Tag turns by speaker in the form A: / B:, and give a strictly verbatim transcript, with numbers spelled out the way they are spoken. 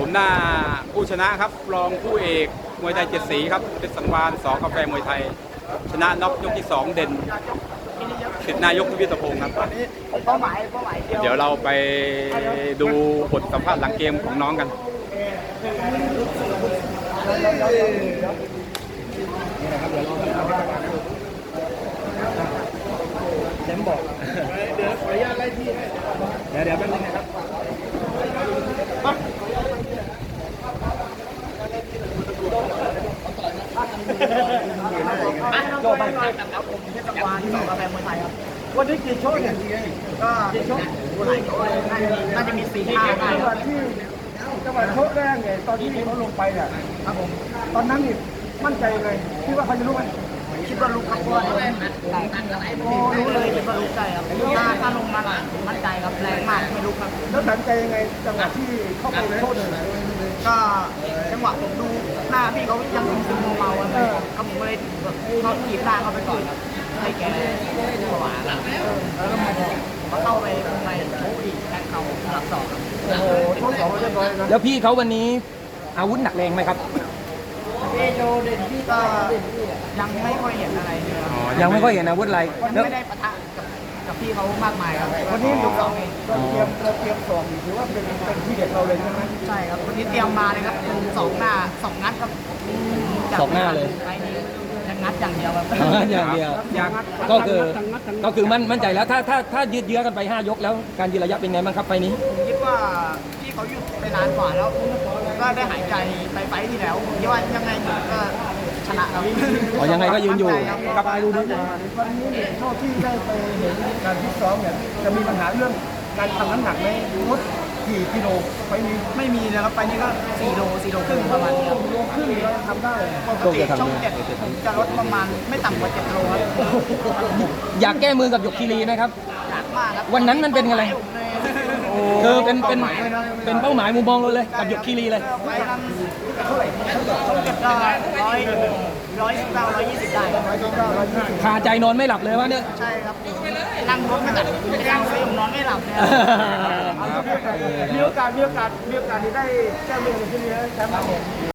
A: มหน้าผู้ชนะครับรองผู้เอกมวยไทยเจ็ดสีครับเป็นสังวานสอกาแฟมวยไทยชนะน็อกยกที่สองเด่นสิทธินายกพิพิธพงศ์ครับ
B: เป้าหมายเป้าหมาย
A: เดี๋ยวเราไปดูบทสัมภาษณ์หลังเกมของน้องกัน
B: เดี๋ยวบอกเดี๋ยวขออนุญาตไล่ที่เดี๋ยวเดี๋ยวแป๊บนึงนะครับโจไปครับผมเทศบาลสอกาแฟมวยไทยครับวันนี้กี่โชว์เนี่ยก็กี่โชว์หลายโชว์น่าจะมีสี่ห้าได้ครับที่จังหวะโชว์แรกเนี่ยตอนที่เขาลงไปเนี่ยครับผมตอนนั้นนี่มั่นใจเลยคิดว่าเขาจะรู้ไหมคิดว่าลูกครับเพราะว่าแรงโอ้รู้เลยคิดว่าลูกใจครับถ้าถ้าลงมามั่นใจครับแรงมากไม่รู้ครับแล้วตัดใจยังไงจังหวะที่เข้าไปโทษเลยก็จังหวะผมดูหน้าพี่เขายังซึมเมาๆครับก็ผมก็เลยแบบเขาขีดหน้าเขาไปก่อนครับให้แกผวาแล้วก็มาเข้าไปข้างในโชว์อีกแทงเข่าสลับสองโอ้โหโชว์สองเรียบร้อยนะ
C: แล้วพี่เขาวันนี้อาวุธหนักแรงไหมครับ
B: พี่โจเด่นพี่ก็ยังไม่ค่อยเห็นอะไรเลย
C: ยังไม่ค่อยเห็นอาวุธอะไร
B: วันนี้ไม่ได้ปะทะกับกับพี่เขามากมายครับวันนี้ยกสองเองเราเตรียมเราเตรียมสองถือว่าเป็นเป็นที่เด็ดเราเลยใช่ไหมใช่ครับวันนี้เตรียมมาเลยครับเป็นสองหน้าสองนัดครับ
C: สองหน้าเลย
B: ไปนี้ยังงัดอย่างเดียวครับ
C: อย่างเดียวก็คือก็คือมั่นมั่นใจแล้วถ้าถ้าถ้ายืดเยื้อกันไปห้ายกแล้วการยืนระยะเป็นไงบ้างครับไฟนี้
B: คิดว่าพี่เขาหยุดไปนานกว่าแล้วก็ได้หายใจไปไฟที่แล้วผมคิดว่ายังไงก็ชนะครับ
C: อ๋อยังไงก็ยืนอยู่
B: กลับไปดูดีกว่าวันนี้เนี่ยเท่าที่ได้ไปเห็นการฟิตซ้อมเนี่ยจะมีปัญหาเรื่องการทำน้ำหนักไหมลดกี่กิโลไปนี้ไม่มีนะครับไปนี้ก็สี่โลสี่โลครึ่งประมาณนี้โลครึ่งเราทำได้ปกติช่องเจ็ดผมจะลดประมาณไม่ต่ำกว่าเจ็ดโลครับ
C: อยากแก้มือกับหยกคีรีไหมครับ
B: อยากมากครับ
C: วันนั้นมันเป็นอะไรคือเป็นเป็นเป็นเป้าหมายมุมมองเราเลยกับหยกคีรีเลย
B: ไปนั้นเท่าไหร่ช่องเจ็ดก็ร้อยร้อยสิบเก้าร้อยยี่สิบได้ร้อยสิบเก้าร้อยยี่สิบ
C: คาใจนอนไม่หลับเลยว่าเนี่ย
B: ใช่ครับนั่งรถไม่หลับนั่งซื้อนอนไม่หลับเนี่ยมีโอกาสมีโอกาสมีโอกาสที่ได้แก้มือที่นี่แชมป์